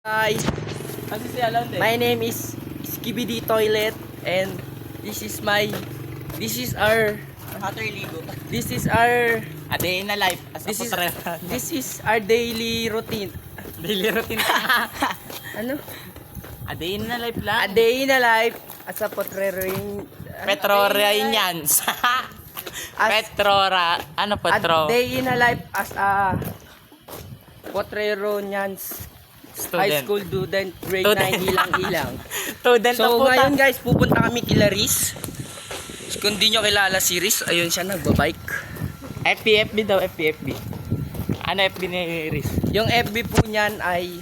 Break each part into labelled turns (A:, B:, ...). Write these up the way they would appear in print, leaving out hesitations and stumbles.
A: Hi, my name is Skibidi Toilet and this is our
B: A day in a life as a putrero.
A: this is our daily routine.
B: Daily routine.
A: Ano?
B: A day in a life
A: A
B: lang.
A: day in a life as a potrero.
B: Petrorians. Petrora. Ano
A: A
B: petro?
A: day in a life as a potreronians high
B: Student.
A: school student grade
B: Student.
A: 9 ilang-ilang.
B: Student na
A: So
B: puta.
A: ngayon guys, pupunta kami kila Riz. Kung di nyo kilala si Riz, ayun siya nagbabike.
B: FPFB daw, FPFB. Ano FB ni Iris?
A: Yung FB po niyan ay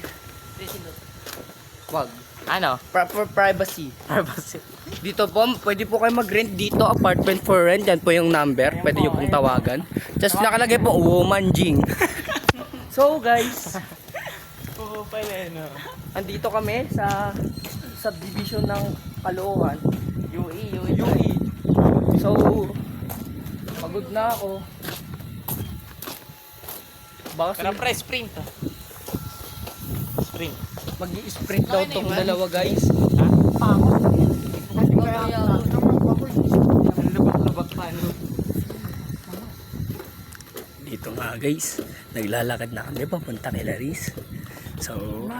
A: wag.
B: Ano?
A: Proper privacy.
B: Privacy.
A: Dito po, pwede po kayo mag-rent dito, apartment for rent. Yan po yung number, pwede nyo pong tawagan. Just nakalagay po, Woman Jing. So guys,
B: Oo pala no.
A: andito kami sa subdivision ng Caloocan. UE. So, pagod na ako. Baka
B: Pero pre, sprint. Sprint.
A: mag-i-sprint daw tong dalawa guys.
B: Lubak-lubak pa no.
A: Dito nga guys, naglalakad na kami papunta kay Laris. So,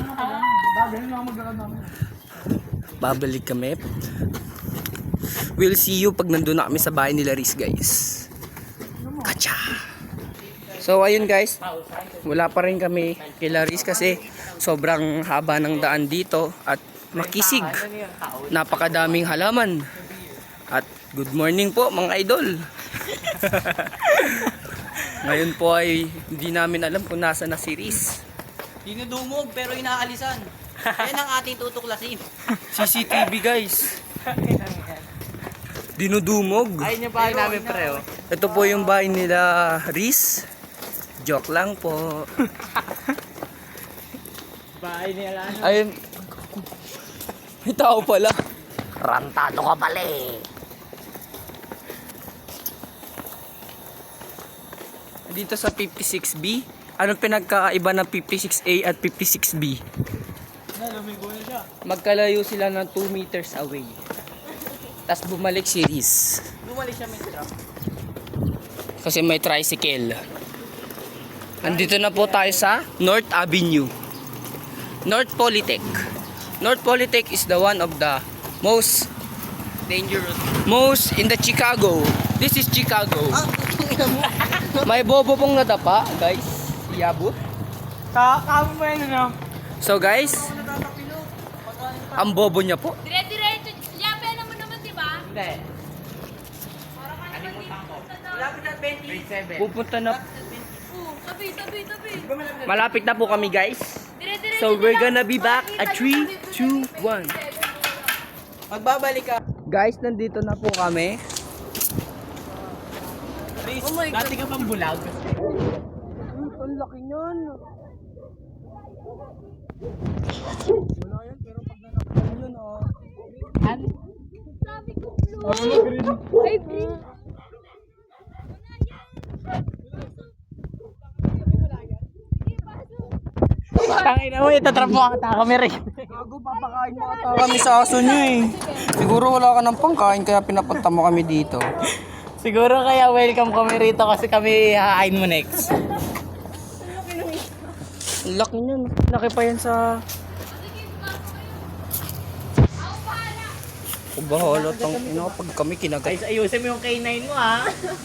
A: babalik kami. We'll see you pag nandun na kami sa bahay ni Laris guys. Kacha! So ayun guys, wala pa rin kami kay Laris kasi sobrang haba ng daan dito at makisig. Napakadaming halaman. At good morning po mga idol. Ngayon po ay hindi namin alam kung nasa na si Riz.
C: Dinudumog pero inaalisan. Yan ang ating tutuklasin.
A: CCTV guys. Dinudumog.
B: Ayun yung bahay namin pre oh.
A: Ito po yung bahay nila Riz. Joke lang po.
B: Bahay nila ano.
A: Ayun. May tao pala.
B: Rantado ka pala eh.
A: Dito sa 56B. Anong pinagkaiba ng 56A at 56B? Magkalayo sila ng 2 meters away. Tapos bumalik si Riz.
C: Bumalik siya may trap.
A: Kasi may tricycle. Andito na po tayo sa North Avenue. North Polytech. North Polytech is the one of the most in the Chicago. This is Chicago. May bobo pong nadapa, guys. Iabot.
B: Kamo mo yan ano?
A: So guys, ang bobo niya po.
D: Dire-diretso. Yape naman naman, di ba?
B: Hindi.
C: Malapit na 20.
B: Grade 7.
A: Pupunta na.
D: Tabi.
A: Malapit na po kami, guys.
D: Dire-diretso.
A: So we're gonna be back at 3, 2, 1.
C: Magbabalik ka.
A: Guys, nandito na po kami.
B: Please, dati ka pang bulag.
A: Ang laki niyan. Wala yan, pero pag nanakpan yun, oh.
D: Sabi ko, blue. Ay, green.
B: Tangin na mo, itatrap mo ang kami rin.
A: Gago, papakain mo ata kami sa aso niyo eh. Siguro wala ka ng pangkain kaya pinapunta mo kami dito.
B: Siguro kaya welcome kami rito kasi kami hahain mo next.
A: Ang laki niyan. Laki pa yan sa... O bahala tang ina pag kami kinagat.
B: Ayusin mo yung K9 mo ha.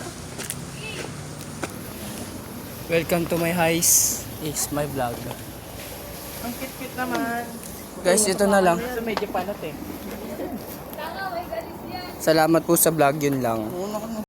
A: Welcome to my house. Is my vlog.
B: Ang kit-kit naman.
A: Guys, ito na lang.
B: So medyo panat eh.
A: Salamat po sa vlog, yun lang.